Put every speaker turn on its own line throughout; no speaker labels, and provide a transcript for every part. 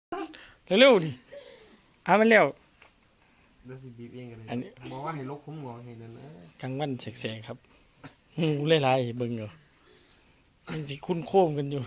เร็วๆดิมันแล้ว
แล้วสิบีบเองกันเลย
อันนี้
บอกว่าให้ลกผมงอให้นั่นนะ
กลางวันแสกๆครับหูหลายๆเบิ่งอยู่มันสิคุ้นโค้งกันอยู่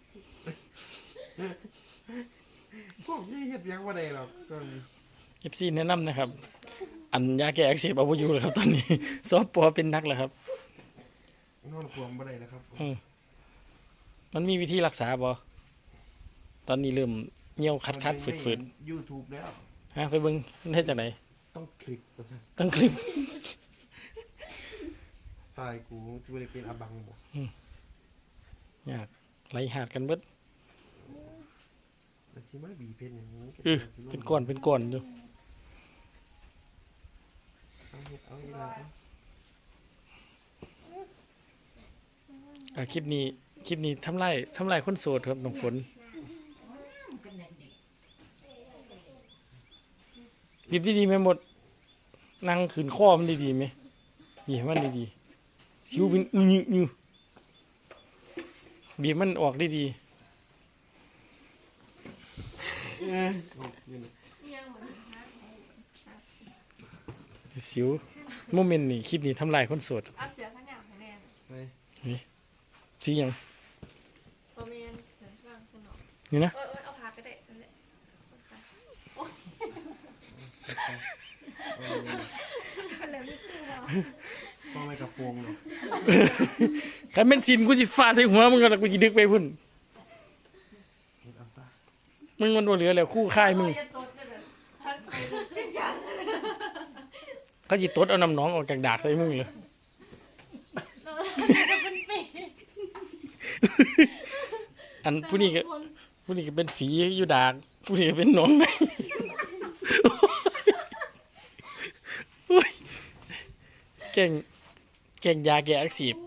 พวกยี่เฮ็ดยังบ่ได้หรอกก็
FC แนะนำนะครับ อันยาแก้อักเสบเอาบ่อยู่แล้วครับตอนนี้ สปเป็นนักแล้วครับ
นอนควมบ่ได้นะครับ
มันมีวิธีรักษาบ่ตอนนี้เริ่มเหี่ยวคัดๆฝืด
ๆ YouTube แล้ว
ๆฮะไปเบิ่งมันเฮ็ดจังได๋
ต้องคลิกว่าซั่น
ต้องคลิป
ตายกูสิบ่ได้เป็นอาบังบ่
ยากไหลหาดกันเบิด
แล้วสิมาบีบเพชรอย่างนี้
เป็นก้อนอยู่
เอาเฮ็ดเอาอีหลาเอา
คลิปนี้ทำลายคนโสดครับน้องฝนหยิบดีๆไหมหมดนั่งขืนข้อมันดีๆไหมนี่ให้มันดีๆสิวเป็นอยู่บีบมันออกดี
เอาอยู่นี่
ๆสิวโมเมนต์นี่คลิปนี้ทำลายคนโสด
เอาเสือขนาดแน่
ไป
สิหยัง
ตัวเมียนเสือข้างคุณหนอ
นี่นะ
เอาพาก็ได้นั่นแหละ อะไรไม่คือว่า
ต้องไม่กระโปรงเนาะ
คันเป็นสินกูสิฟาดใส่หัวมึงก็กูสิดึกไปพุ่น
เฮ็ดเอาซะ
มึงมันบ่เหลือแล้วคู่ค่ายมึง
จะตดเลยท่านไปจริงจัง
เขาสิตดเอาน้ำหนองออกจากดากใส่มึงเลยอันผู้นี้ก็เป็นฝีอยู่ดากผู้นี้ก็เป็นหนองในโอ้ยแกงยาแก้อักเสบ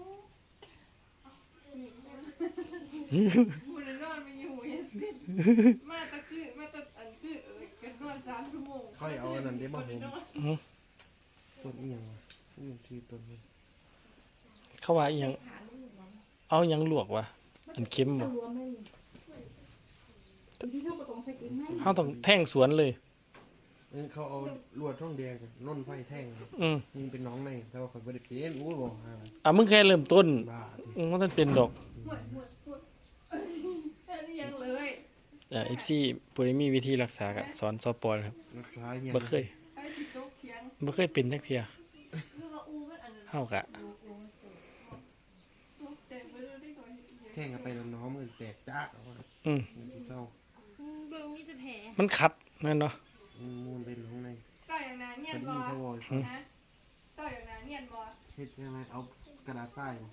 มูนนอนไม่อยู่เห็นสิมาตะคือมาตะอันคือกันนอน3 ชั่วโมง
ค่อยเอาอันนั้นได้มาผมต้นอีหยังวะนี่ชื่อต้นนี้
เขาว่าอีหยังเอาหยังลวกวะอันเค็มบ่เฮาต้องแท่งสวนเลย
เขาเอาลวดท่องแดงกับน่นไฟแท่งครับ มึงเป็นน้องในแต่ว่าข่อยบ่ได้เป็นอู้บ่หา
มึงแค่เริ่มต้น
บ้าติ
มันท่านเป็นดอก
แค่นี้ยังเลย
FC ผู้ใดมีวิธีรักษาก็สอนสปอครับ
รักษาเหี้ย
บ่เคย
ไอ้ที่โต๊ะเทียง
บ่เคยเป็นจักเที่ย
คือว่าอูมันอันนั้น
เฮากะ
แต่ไม่รู้ได้ก่อน
แท่งกันไปแล้วน้องมันแตกจากเอาว่า
อืม
มันสิเศร้า
เบิ่งมีแต่แผล
มันคัดแม่นเนาะ
มูนเป็นน้องใน
ต่อยอย่างนั้นเนีย
พอน
บ
ดี
อ
เขาบอก
นะต่อยอย่างนั้นเนียนบอ
เฮ็ดยังไงเอากระดาษทรายมา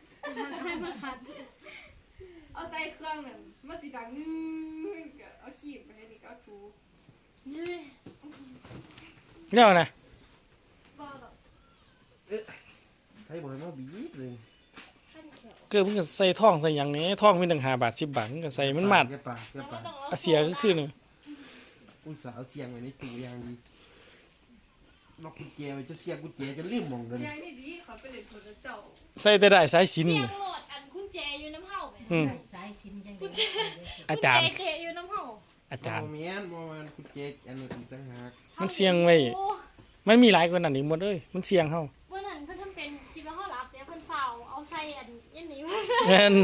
เอาใส่เครื่องหนึ่งมันสีดังนึงเอาขีบไปให้นี่ก็เอาถู
แล้วนะ
บ้าหรอ
ใช้บ่ให้มาบีบเลย
เกิดมึงก็ใส่ท่องใส่หยังนี้ท่องมีตั้ง5 บาท10 บาทมึงก็ใส่มันมาด
แค่ปากแค่ปาก
อาเสียก็คือนึง
อุตส่าห์เอาเสียงไว้ในตู้อย่างดีล็อกกุญแจไว้จะเสียบกุญแจจะลืมหม่องเดิน
ยายนี่ดีเขาไปเลยโทรเจ้า
ใส่แต่ได้สายสิญ
เสี
จ
ย
น์
งโหลดอันคุณแจอยู่น้ำเห่าไหม
อืม
สายสินจัง
คุณ
ได๋
แจ
อาจารย์
คุณแจเคอยู่น้ำเห่า
อาจารย์
บ่แม่นบ่แม่นกุญแจอันนั้นอีกต่างหาก
มันเสี่ยงไว้
โอ้
มันมีหลายกว่านั้นอีกหมดเลยมันเสี่ยงเฮา
เมื่อนั้นเพิ่นทำเป็นคิดว่าเขารับเนี่ยเพิ่นเฝ้าเอาใส่อันยันนี้มา
แม่น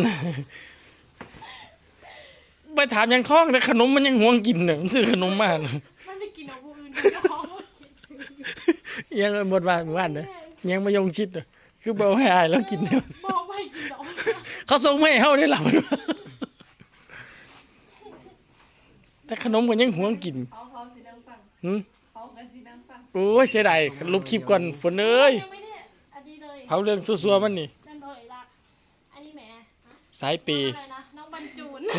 ไปถามหยังท่องแต่ขนมมันยังห่วงกินน่ะมันซื้อขนมมาน่ะ
มันไปกินเอาผู้อื่นเจ้าของบ่กิน
ยังหมดบ้านเด้อยังมายงชิดน่ะคือบ่เอาให้อายแล้วกินเด้อ
บอกไม่กินหรอก
เขาส่งมาให้เฮาได้ล่ะมันว่าแต่ขนมก็ยังห่วงกิน
เขาสีดังฟัง
หึ
เขากันสีดังฟัง
โอ้ยเสียดายลบคลิปก่อนฝนเอ้ย
ยังไม่ได้อันนี้เลย
เผาเรื่องซัวๆมันนี่
นั่นเลยรักอันนี้แหม
สายเป
น้อง
ย์
อะไรนะน้องบรรจูน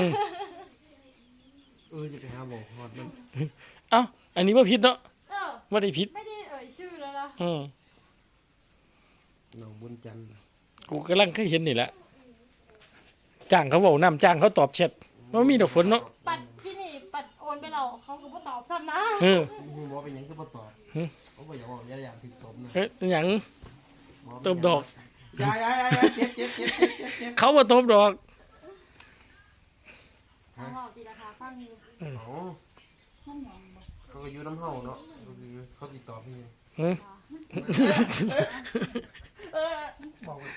จะไปหาหมอฮอดมัน
เอ้าอันนี้บ่ผิดเนาะ
เออ
บ่ได้ผิด
ไม่ได้เอ่ยชื่อแล้วนะ
อืม
น้องบุญจันทร์
กูกำลังเคยเห็นนี่แหละจ้างเขาเว้านํจ้างเขาตอบแชทว่ามีดอกฝนเนาะ
ปัดพี่นี่ปัดโอนไปเราเขาก็บ่ตอบซ้ำนะ
เออ
มึงบอกเป็นหยังก็บ่ตอบเขาบ่อยากบอกอย่าผิดตบนะ
เอ๊ะหยัง ตบดอก
อย่าเจ็บ
เขาบ่ตบดอก
เขาบอกดีละครับฟังอยู่
อ๋อเขาก็อยู่น้ำเฮาเนาะเขาติดต่อพี่
หืม
บอกว่า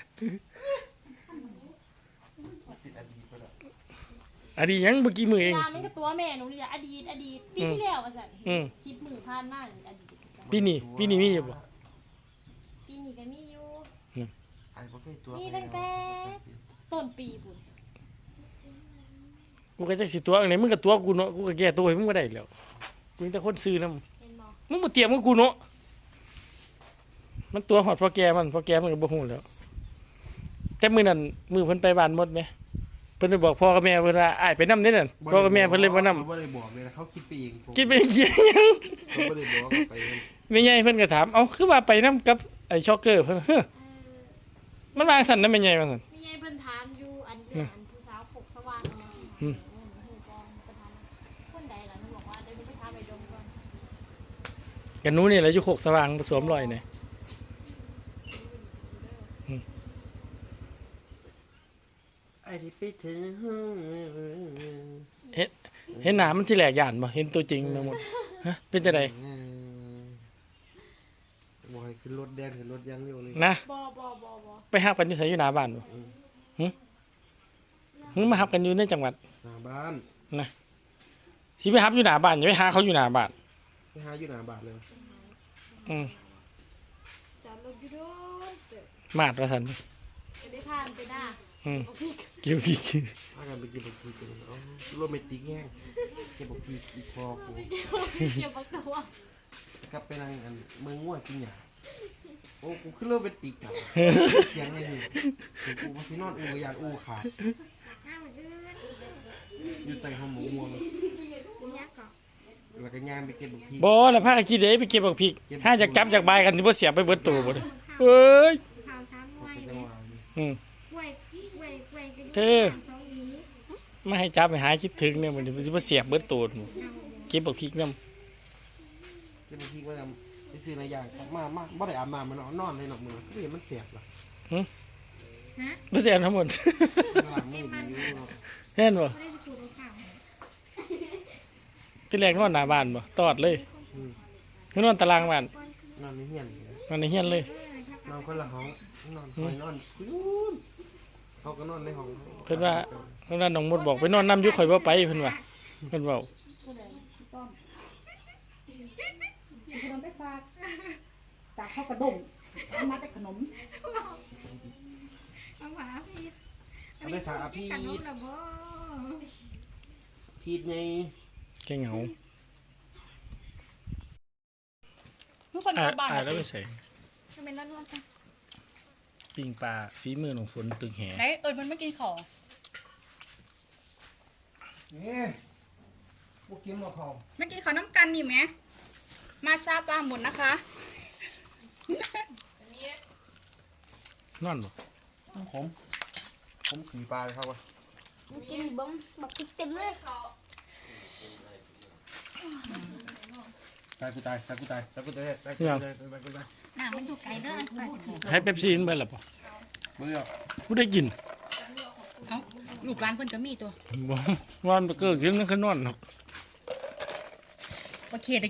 ติดอดีตไปแล้ว
อันนี้ยังเมื่อกี้มือ
เว
เอง
ลามันก็ตัวแม่หนูนี่แหละอดีตปีที่แล้วว่าซั่น
อืม
10 มื้อผ่านมานี่อดีต
ปีนี้มีอยู่บ่
ปีนี้ก็มีอยู่
ไอ้บ่เคยตัว
นี่ตั้งแต่ต้นปีพุ่น
กูก็จักสิตัวอันไหนมึงก็ตัวกูเนาะกูก็แก้ตัวให้มึงบ่ได้แล้วกูมีแต่คนซื้อนำ
เห็นบ่
มึงบ่เตรียมกับกูเนาะมันตัวหอดพอแกมันพอแกมันก็บ่ฮู้แล้วแต่มื้อนั้นมื้อเพิ่นไปบ้านหมดไหมเพิ่นไปบอกพ่อกับแม่เพิ่นว่าอ้ายไปนำเด้นั่นพ่อกับแม่เพิ่นเลยบ่นำ
เขาบ่ได้บอกเลยนะเขาคิดไปเองผม
กินไปเหี้ยหยัง
เขาบ่ได้บอกไปเอง
แม่ใหญ่เพิ่นก็ถามเอ้าคือว่าไปนำกับไอ้ช็อกเกอร์เพิ่นเฮ้อมันวางสั่นนะแม่ใหญ่ว่าซั่น
มีไงเพิ่นถามอยู่อันเดือนผู้สาวปกสว่างนะ
อืม
หูกองประธานคนใดล่ะหนูบอกว่าเดี๋ยวหนูไปถามไอ้ดมก่อน
กันหนูนี่แหละอยู่โคกสว่างผสมรอยนี่
ไอ้ที่ไปถึงห้อง
เห็นหน้ามันที่แหลกย่านบ่เห็นตัวจริงมาหมดฮะเป็นจังได๋
บอกให้ขึ้นรถแดงขึ้นรถยังอยู่นี่
นะ
บ่
ไปหับกันอยู่ไสอยู่หน้าบ้านบ่หึมาหับกันอยู่ในจังหวัด
หน้าบ้าน
สิไปหับอยู่หน้าบ้านอย่าไปหาเขาอยู่หน้าบ้าน
ไปหาอยู่หน้าบ้านเลย
อืม
จับรถอยู่โดนเตะ
มาดว่าซั่น
จะได้ผ่านไปหน้า
อืม
โอเค
เกี่ยวกี่
พากันไปกินบะหมี่กันอ๋อโรแมนติกแห้งกินบะหมี่อีกพอกู
เกี่ยวกับตัว
กลับไปนั่งอันเมืองง่วกินหยาโอ้กูขึ้นโรแมนติกอ่ะเสียงไงนี่กูมาที่นอนอูอยากอูขาดอยู่ใต้ห้องหมูม่วงแล้วก็ย่างไปกินบะหมี่
บ่แล้วพากันกินได้ไปเก็บบักพริกห้าจากจับจากบายกันสิบ่เสียไปเบิดตัวบ่เด้อเอ้ย
ข่าวช้างมวย
จังหวะนี้
อืม
กล้วยกล้วยกัน
เธอ มาให้จับให้หายคิดถึงเนี่ยมันสิบ่เสียบเบิดตัวหมู่เก็บบักพริกนำ
กินบะหมี่ว่าไปซื้อในอย่างมาบ่ได้อาบน้ำมันนอนเลยเนาะมือก็เห็นมันเสียบล่ะ
บ่เสียทั้งหมด
หลังมือดีอยู่เนาะ
เห็นบ่
ไม่ได้สูตรในข่าว
ที่แรกนอนหน้าบ้านบ่ตอดเลยคือนอนตารางบ้าน
นอนไม่เหียน
นอนในเฮียนเลย
นอนคนละห้องนอนคอยนอนเขาก็นอนในห้อง
เพิ่นว่าน้องมดบอกไปนอนน้ำอยู่ข่อยบ่ไปเพิ่นว่าเพิ่นเว้า
ขนมไปฝากจากข้าวกระดงเอามาแต่ขนม
เอาหวาพี่
เอาไปฝากอาพี
กันนู้นนะบ่
พีดไง
แค่เหงา
ทุกคนกลับบ้าน
แล้วไปใส่
จะเป็นร้อนๆกัน
ปิ้งปลาฝีมือของฝนตึงแห
ไหนมันไม่กินข้าว
นี่พวกกินมาเขา
ไม่กินข้าวน้ำกันนี่ไหมมาซาปลาหมดนะคะ
นอนบ่
ผมขี่ปลาเลยครับวะ
กินบ้งบักพริกเต็มเลย
ตายกูตาย
หน้ามันอยู่ไกลเด้อ
ให้เป๊ปซี่มันเบิดล่ะบ่
เบื่อ
กูได้กิน
เอ้าลูกร้านเพิ่นก็มีตัว
บ่นอนบ่เกิกยังนั่นคือนอนเนาะ
โอเคได้